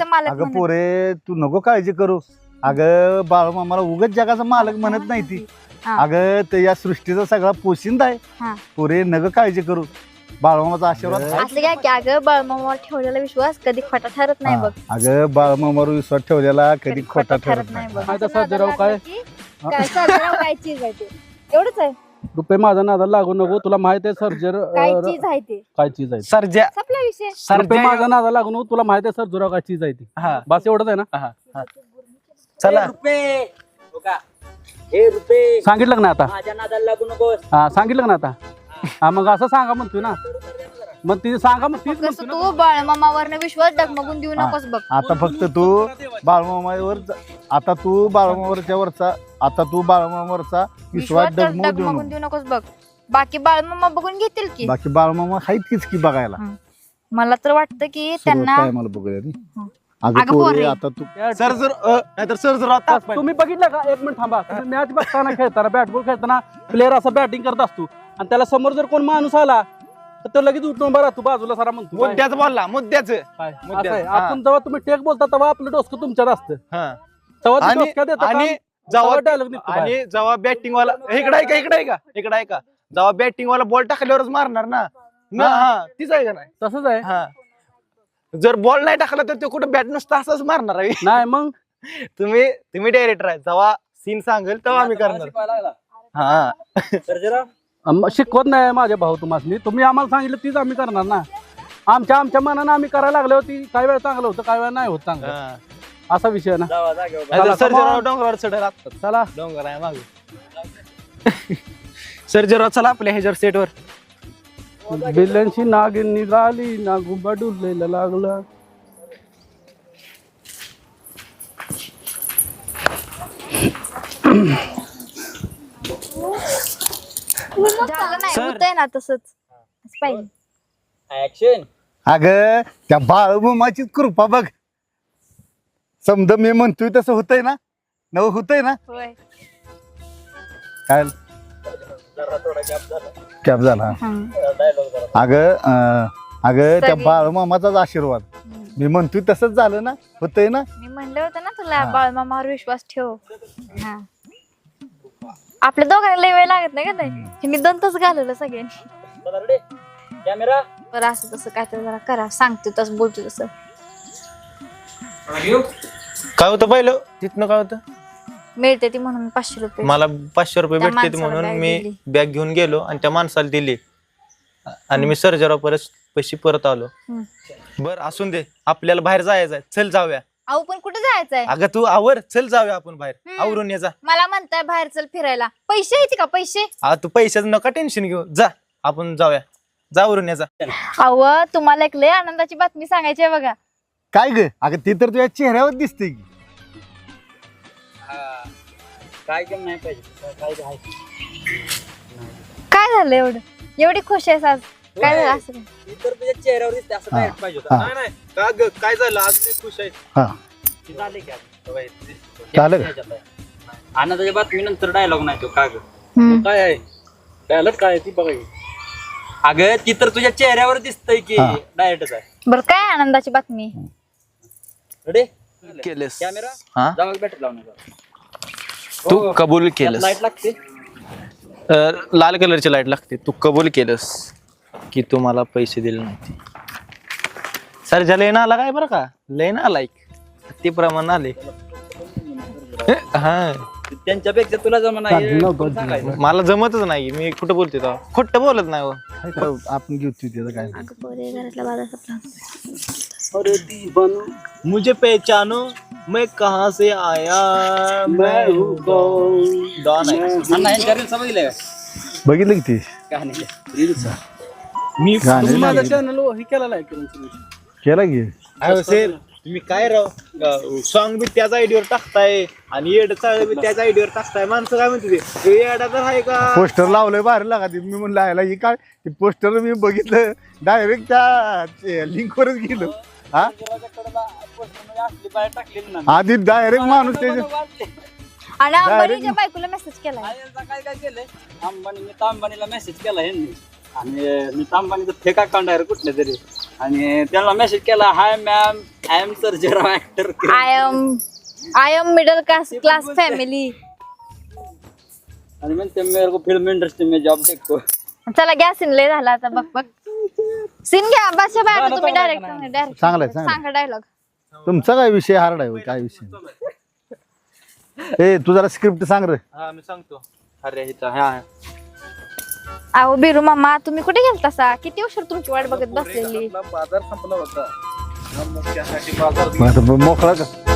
जगाचा मालक अगं पोरे तू नको काळजी करू. अगं बाळमामाला उगाच जगाचा मालक म्हणत नाही ती. अगं ते या सृष्टीचा सगळा पोशिंदा आहे. पोरे नको काळजी करू. बाळमामाचा आशीर्वाद असं काय की अगं बाळमामावर ठेवलेला विश्वास कधी खोटा ठरत नाही बघ. अगं बाळमामावर विश्वास ठेवलेला कधी खोटा ठरत नाही. बघ. सर्जेराव काय सर्जेराव काय चीज आहे ते एवढंच आहे. रुपये माझा नादाला लागू नको. तुला माहित आहे सर्जर काय चीज आहे ते काय चीज आहे. सर्जा संपला विषय. रुपये माझा नादाला लागू नको. तुला माहित आहे सर्जेराव काय चीज आहे ती. बस एवढंच आहे ना. चला सांगितलं ना आता. हा सांगितलं ना आता. हा मग असं सांगा म्हणतोय ना. मग ती सांगा मग तीच कसं तू बाळमामावरनं विश्वास डगमगून देऊ नकोस बघ. आता फक्त तू बाळमामावर आता तू बाळमामावरचा विश्वास डगमगून देऊ नकोस बघ. बाकी बाळमामा बघून घेतील की. बाकी बाळमामा आहेत की बघायला. मला तर वाटतं की त्यांना मला बघूया अगं पोरे. आता तू सर जर नाहीतर सर जर आता तुम्ही बघितलं का. एक मिनिट थांबा. मॅच बघताना खेळताना बॅटबॉल खेळताना प्लेअर असा बॅटिंग करत असतो आणि त्याला समोर जर कोण माणूस आला तर तो लगेच उठून बरा तू बाजूला सारा म्हणतो. मुद्द्याच बोलला मुद्द्याच काय? असं आहे. आपण जेव्हा तुम्ही टेक बोलता तेव्हा आपलं डोसकं तुमच्यात असतं. तेव्हा ते डोसक्यात येतं आणि तेव्हा dialogue निघतो बाहेर. आणि जेव्हा बॅटिंग वाला इकडे आहे का जेव्हा बॅटिंग वाला बॉल टाकल्यावरच मारणार ना. तीच आहे का नाही. तसंच आहे. जर बॉल नाही टाकला तर तो कुठं बॅट नसतं असंच मारणार आहे. नाही मग तुम्ही डायरेक्टर आहे. जेव्हा सीन सांगेल तेव्हा आम्ही करणार. शिकवत नाही माझे भाऊ तुम्हाला. तुम्ही आम्हाला सांगितलं तीच आम्ही करणार ना. आमच्या मनानं आम्ही करायला लागलो होती. काही वेळ चांगलं होतं काही वेळ नाही होत चांगलं. असा विषय ना. सर्जेराव डोंगरावर चढायला लागतात. चला डोंगर आहे मागे. सर्जेराव चला आपल्या ह्याच्यावर सेटवर. बिल्ल्यांची नागिन निघाली नागुबा डुललेला लागला. झालं नाही होतंय ना तसंच पाहिजे. अगं त्या बाळमामाची कृपा बघ. समजा मी म्हणतोय तसं होतंय ना. होतंय ना. होय. काय कॅप झाला. अगं त्या बाळमामाचाच आशीर्वाद. मी म्हणतोय तसंच झालं ना. होतंय ना. मी म्हणलं होतं ना तुला बाळमामावर विश्वास ठेव. आपल्या दोघांना लय वेळ लागत नाही का नाही. मी 2 तास घालवलं सगळ्यांनी. बरं असं तसं काय तर जरा करा. सांगतो तसं बोलतो तसं. काय होतं पहिलं तिथनं काय होतं. मिळते ती म्हणून 500 रुपये. मला 500 रुपये त्या भेटते माणसाला म्हणून bag मी दिली. बॅग घेऊन गेलो आणि त्या माणसाला दिली आणि मी सर्जेराव पैसे परत आलो. बर असून दे. आपल्याला बाहेर जायचंय. चल जाऊया. अहो पण कुठे जायचंय. अगं तू आवर. चल जाऊया आपण बाहेर. आवरून ये जा. मला म्हणताय बाहेर चल फिरायला. पैसे येते का पैसे. तू पैशाचं नका टेन्शन घेऊ. जा आपण जाऊया. जावरून ये जा. अहो तुम्हाला एक लय आनंदाची बातमी सांगायची आहे बघा. काय ग. अगं ती तर तुझ्या चेहऱ्यावर दिसते की. काय झालं एवढी खुश आहेस आज. काय झालं असं काय? काय झालं आज मी खुश आहे. झालं का? आनंदाच्या बातमीनंतर डायलॉग नाही तो का ग. काय आहे डायलॉग काय ती बघा. अगं ती तर तुझ्या चेहऱ्यावर दिसतंय की डायरेक्टच आहे. बरं काय आनंदाची बातमी. रेडी केलंस. कॅमेरा जाऊ बॅटरी लावण्याचा. तू कबूल केलंस. लाईट लागते. लाल कलरची लाईट लागते. तू कबूल केलंस की तू मला पैसे दिले नव्हते. सरजा लय ना आला काय बरं का. लय ना लाईक ते प्रमाण आले. त्यांच्यापेक्षा तुला जमा नाही. मला जमतच नाही. मी कुठं बोलते तेव्हा खोटं बोलत नाही. आपण घेऊ त्याचं काय. घरातला बाजार संपला. अरे दीवानो मुझे पहचानो मैं कहाँ से आया मैं हूँ कौन. डॉन आहे. बघितलं की ती काय नाही रील्स. मी गाणे माझा नाही. चॅनल हे केलेला आहे केला की. तुम्ही काय राव सॉंग बी त्याच आयडीवर टाकताय आणि येड चाळ बी त्याच आयडीवर टाकताय. माणसं काय म्हणते ते येडा तर आहे का. पोस्टर लावलंय बाहेर लागा. मी म्हणलं आयला ही काय. पोस्टर मी बघितलं डायरेक्ट त्या लिंक वरच गेलो. आधी डायरेक्ट माणूस त्याच्या आणि अंबानीच्या बायकोला मेसेज केला. काय केलंय अंबानीने तर अंबानीला मेसेज केला ह्यांनी. आणि नीता अंबानीचं फेक अकाउंट आहे रे कुठलं तरी, आणि त्यांना मेसेज केला, hi ma'am I am Sarjerao actor, I am middle class family. आणि म्हणते मेरे को फिल्म इंडस्ट्री में जॉब देखो. चला घ्या सीन लय झाला आता. बघ सीन घ्या बादशाह भाई. आता तुम्ही डायरेक्ट चांगलाय सांगा डायलॉग. तुमचा काय विषय हार्ड आहे होय, काय विषय ए तू जरा स्क्रिप्ट सांग रे. हा मी सांगतो. अरे हिचा हा अहो बिरू मामा तुम्ही कुठे गेलतासा? किती उशीर तुमची वाट बघत बसलेली. बाजार संपला होता, मग त्यासाठी बाजार मग आता मोकळा का